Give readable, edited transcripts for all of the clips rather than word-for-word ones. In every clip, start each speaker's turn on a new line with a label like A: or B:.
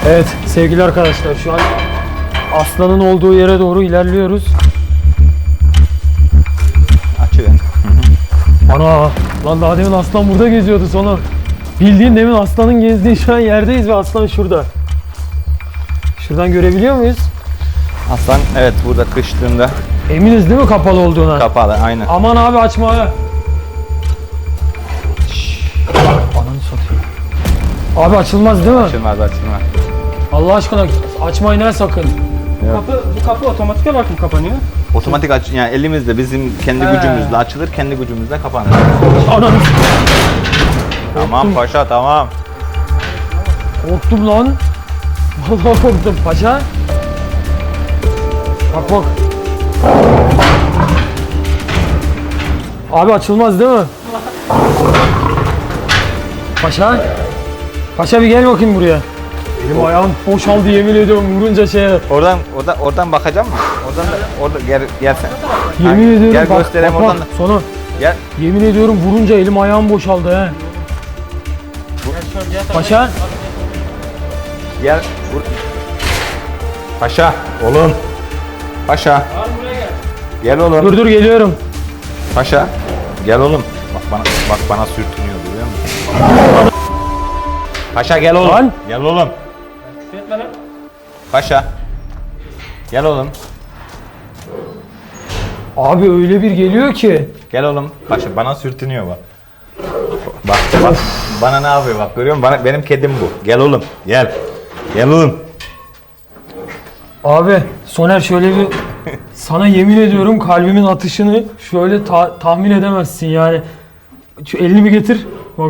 A: Evet sevgili arkadaşlar, şu an aslanın olduğu yere doğru ilerliyoruz.
B: Açıver.
A: Ana lan, daha demin aslan burada geziyordu sonra. Bildiğin demin aslanın gezdiği şu an yerdeyiz ve aslan şurada. Şuradan görebiliyor muyuz?
B: Aslan evet burada kıştığında
A: Eminiz değil mi kapalı olduğuna?
B: kapalı aynen.
A: Aman abi açma ha. Ananı satayım. Abi açılmaz değil mi?
B: Açılmaz.
A: Allah aşkına açmayın ha sakın.
C: Bu kapı otomatik olarak mı kapanıyor?
B: Otomatik aç, yani elimizde bizim kendi
A: He.
B: gücümüzle açılır, kendi gücümüzle kapanır.
A: Ananı
B: Tamam paşa tamam.
A: korktum lan. Vallahi korktum paşa. Bak bak. Abi açılmaz değil mi? Paşa. Paşa bir gel bakayım buraya. Elim ayağım boşaldı yemin ediyorum vurunca şeye.
B: Oradan bakacak mısın? Orada gel sen.
A: Yemin ediyorum
B: Gel
A: bak,
B: göstereyim
A: bak,
B: oradan.
A: bak. Sonu.
B: Gel.
A: Yemin ediyorum vurunca elim ayağım boşaldı he. Paşa.
B: Gel. Vur. Paşa. Oğlum. Paşa. Gel oğlum.
A: Dur geliyorum.
B: Paşa. Gel oğlum. Bak bana sürtünüyor görüyor musun? Paşa gel oğlum.
A: Lan.
B: Gel oğlum. Paşa. Gel oğlum.
A: Abi öyle bir geliyor ki.
B: Gel oğlum. Paşa bana sürtünüyor bak. Bak. Bana ne yapıyor bak görüyor musun? Benim kedim bu. Gel oğlum. Gel. Gel oğlum.
A: Abi Soner şöyle bir sana yemin ediyorum kalbimin atışını şöyle tahmin edemezsin yani. Şu elini bir getir. Bak.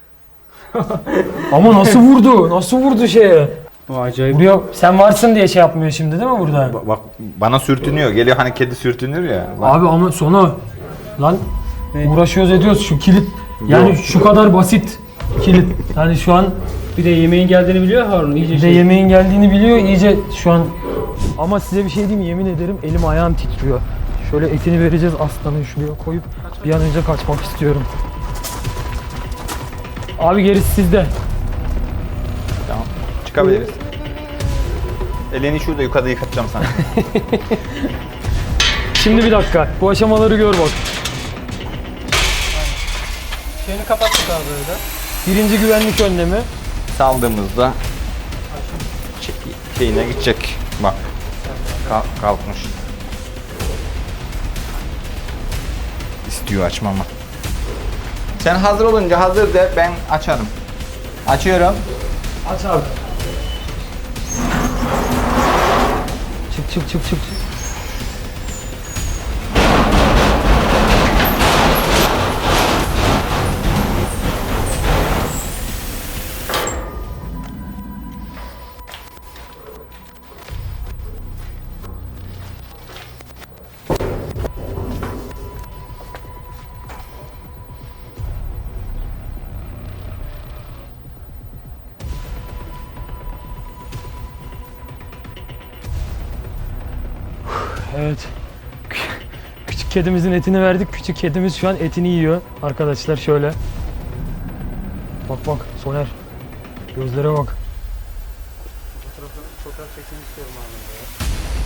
A: Ama nasıl vurdu? Nasıl vurdu şeye?
C: Acayip.
A: Buraya sen varsın diye şey yapmıyor şimdi değil mi burada?
B: Bak bana sürtünüyor. Geliyor hani kedi sürtünür ya. Bak.
A: Abi ama sonu lan uğraşıyoruz ediyoruz şu kilit. Yani
B: Yok.
A: şu kadar basit kilit. Yani şu an
C: Bir de yemeğin geldiğini biliyor Harun. İyice
A: bir de yemeğin geldiğini biliyor iyice şu an. Ama size bir şey diyeyim mi? Yemin ederim elim ayağım titriyor. Şöyle etini vereceğiz aslanın şuraya koyup bir an önce kaçmak istiyorum. Abi gerisi sizde.
B: Tamam. Çıkabiliriz. Elini şurada yukarıda yıkatacağım sana.
A: Şimdi bir dakika. Bu aşamaları gör bak.
C: Şeyini kapattık abi öyle.
A: Birinci güvenlik önlemi.
B: Saldığımızda şeyine gidecek. Bak. Kalkmış. İstiyor açmamı. Sen hazır olunca hazır de ben açarım. Açıyorum.
A: Aç abi. Çık. Evet. Küçük kedimizin etini verdik. Küçük kedimiz şu an etini yiyor. Arkadaşlar şöyle. Bak Soner. Gözlere bak.
C: Fotoğraf çekmek istiyorum abi.